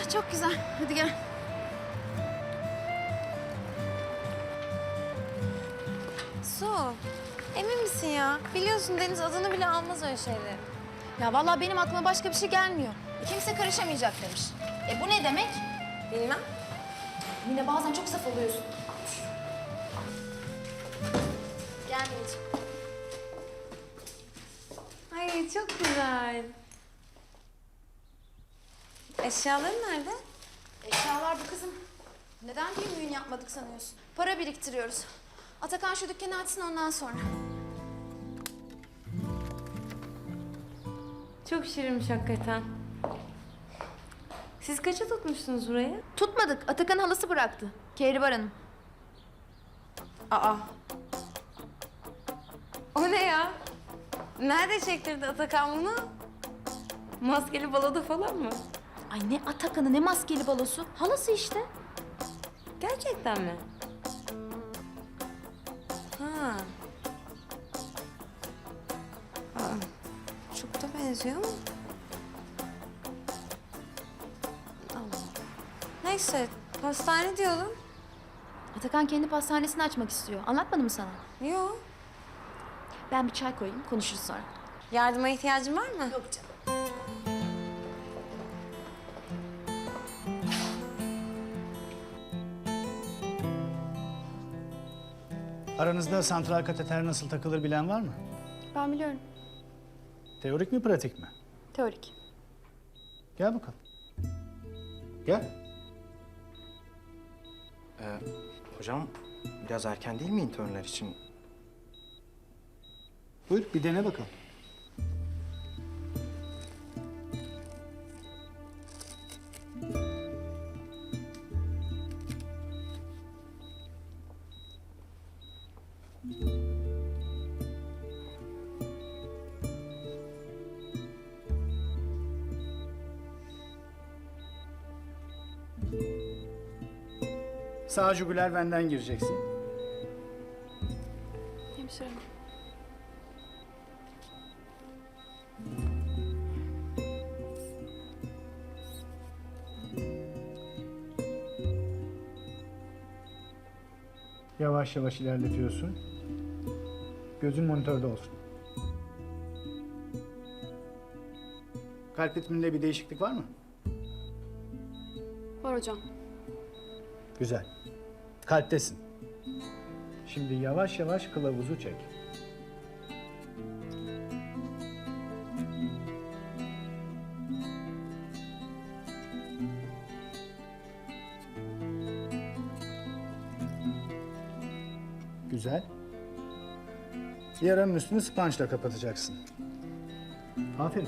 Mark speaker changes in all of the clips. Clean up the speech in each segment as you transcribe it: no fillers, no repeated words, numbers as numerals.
Speaker 1: çok güzel. Hadi gel.
Speaker 2: Su, emin misin ya? Biliyorsun Deniz adını bile almaz öyle şeyleri.
Speaker 1: Ya vallahi benim aklıma başka bir şey gelmiyor. Kimse karışamayacak demiş. Bu ne demek?
Speaker 2: Bilmem.
Speaker 1: Yine bazen çok saf oluyorsun.
Speaker 2: Gel Mineciğim. Ay çok güzel. Eşyaların nerede?
Speaker 1: Eşyalar bu kızım. Neden düğün yapmadık sanıyorsun? Para biriktiriyoruz. Atakan şu dükkanı açsın ondan sonra.
Speaker 2: Çok şirinmiş hakikaten. Siz kaça tutmuşsunuz burayı?
Speaker 1: Tutmadık. Atakan halası bıraktı. Kehribar Hanım.
Speaker 2: Aa. O ne ya? Nerede çektirdi Atakan bunu? Maskeli baloda falan mı?
Speaker 1: Ay ne Atakan'ı ne maskeli balosu. Halası işte.
Speaker 2: Gerçekten mi? Ha. Aa, çok da benziyor ama. Allah. Neyse, pastane diyordun.
Speaker 1: Atakan kendi pastanesini açmak istiyor. Anlatmadım mı sana?
Speaker 2: Yok.
Speaker 1: Ben bir çay koyayım, konuşuruz sonra.
Speaker 2: Yardıma ihtiyacın var mı?
Speaker 1: Yok canım.
Speaker 3: Aranızda santral kateter nasıl takılır bilen var mı?
Speaker 1: Ben biliyorum.
Speaker 3: Teorik mi, pratik mi?
Speaker 1: Teorik.
Speaker 3: Gel bakalım. Gel.
Speaker 4: Hocam biraz erken değil mi internler için?
Speaker 3: Buyur, bir dene bakalım. Sağ jugüler benden gireceksin.
Speaker 1: Hemşire.
Speaker 3: Yavaş yavaş ilerletiyorsun. Gözün monitörde olsun. Kalp ritminde bir değişiklik var mı?
Speaker 1: Var hocam.
Speaker 3: Güzel. Kalptesin. Şimdi yavaş yavaş kılavuzu çek. Güzel. Yaranın üstünü sponge'la kapatacaksın. Aferin.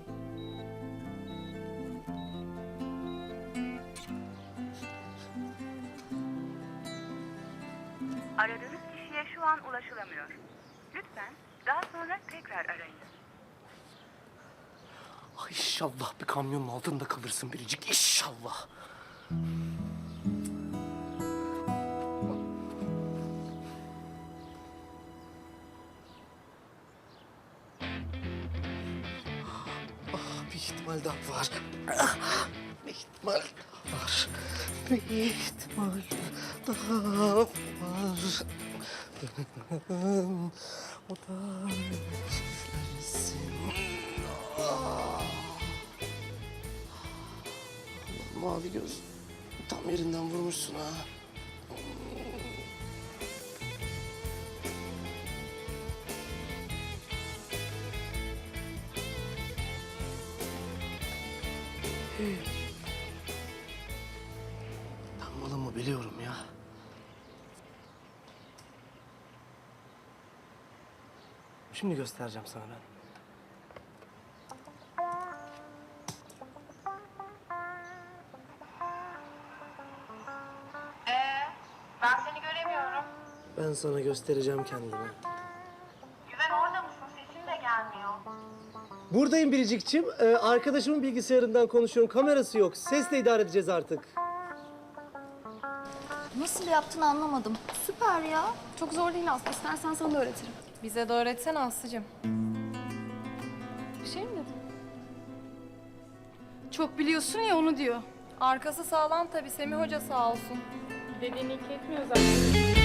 Speaker 5: Aradığınız kişiye şu an ulaşılamıyor. Lütfen daha sonra tekrar arayınız.
Speaker 6: Ay İnşallah bir kamyonun altında kalırsın Biricik, inşallah. Bir ihtimal daha var. Bir ihtimal daha var. Bir ihtimal daha var. O da sizlersin. Mavi göz tam yerinden vurmuşsun ha. Ben malımı biliyorum ya. Şimdi göstereceğim sana ben.
Speaker 5: Ben seni göremiyorum.
Speaker 6: Ben sana göstereceğim kendimi.
Speaker 5: Güven orada mısın? Sesin de gelmiyor.
Speaker 6: Buradayım Biricik'ciğim. Arkadaşımın bilgisayarından konuşuyorum. Kamerası yok. Sesle idare edeceğiz artık.
Speaker 1: Nasıl yaptığını anlamadım. Süper ya.
Speaker 7: Çok zor değil aslında. İstersen sana da öğretirim.
Speaker 2: Bize de öğretsene Aslı'cığım.
Speaker 7: Bir şey mi dedin? Çok biliyorsun ya onu diyor. Arkası sağlam tabii, Semih Hoca sağ olsun.
Speaker 8: Dediğini ilk etmiyor zaten.